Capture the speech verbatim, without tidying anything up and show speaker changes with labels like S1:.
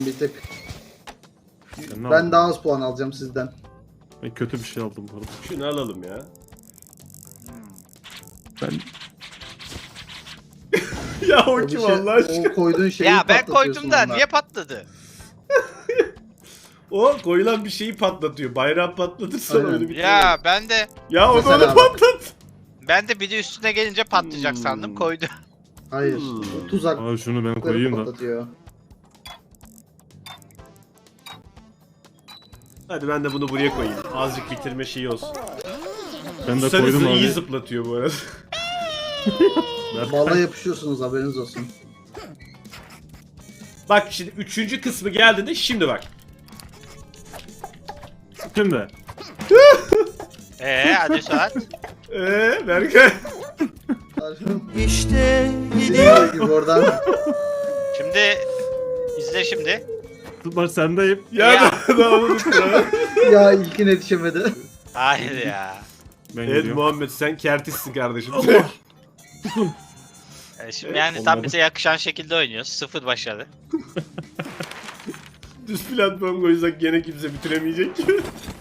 S1: Bir tık.
S2: Ben, ne
S1: Ben
S2: aldım?
S1: daha az puan alacağım sizden.
S2: Ben kötü bir şey aldım bu arada.
S3: Şunu alalım ya.
S2: Ben
S3: Ya o
S1: O, bir
S3: kim
S1: şey,
S3: Allah aşkına?
S1: o koyduğun şeyi
S4: Ya ben
S1: patlatıyorsun
S4: koydum da
S1: onunla.
S4: niye patladı?
S3: O koyulan bir şeyi patlatıyor. Bayrağı patlatırsan
S1: Aynen.
S3: öyle bir
S4: Ya ben de
S3: Ya o da
S1: Mesela
S3: onu
S1: bak.
S3: patlat.
S4: ben de bir de üstüne gelince patlayacak
S3: Hmm.
S4: sandım koydu.
S1: Hayır.
S3: Hmm.
S1: Tuzakları
S2: Aa, şunu ben koyayım da.
S1: patlatıyor.
S3: Hadi ben de bunu buraya koyayım. Azıcık bitirme şeyi olsun.
S2: Ben de
S3: Sarısı
S2: koydum
S3: iyi
S2: abi.
S3: zıplatıyor bu arada.
S1: Balla yapışıyorsunuz, haberiniz olsun.
S3: Bak şimdi üçüncü kısmı geldiğinde şimdi bak.
S2: Şimdi.
S4: Eee hadi Suat.
S3: Eee Berkay.
S1: İşte gidiyor gibi oradan.
S4: Şimdi izle şimdi.
S2: Tutmaç sendeyim.
S3: Ya,
S4: Ya.
S3: da daha unuttum.
S1: Ya ilkin yetişemedi.
S4: Hayır ya.
S2: Ben
S3: Evet
S2: gidiyorum.
S3: Muhammed sen kertissin kardeşim.
S4: E, Şimdi yani tam
S2: olmadı.
S4: bize yakışan şekilde oynuyoruz. Sıfır başarı.
S3: Düz platform koysak gene kimse bitiremeyecek.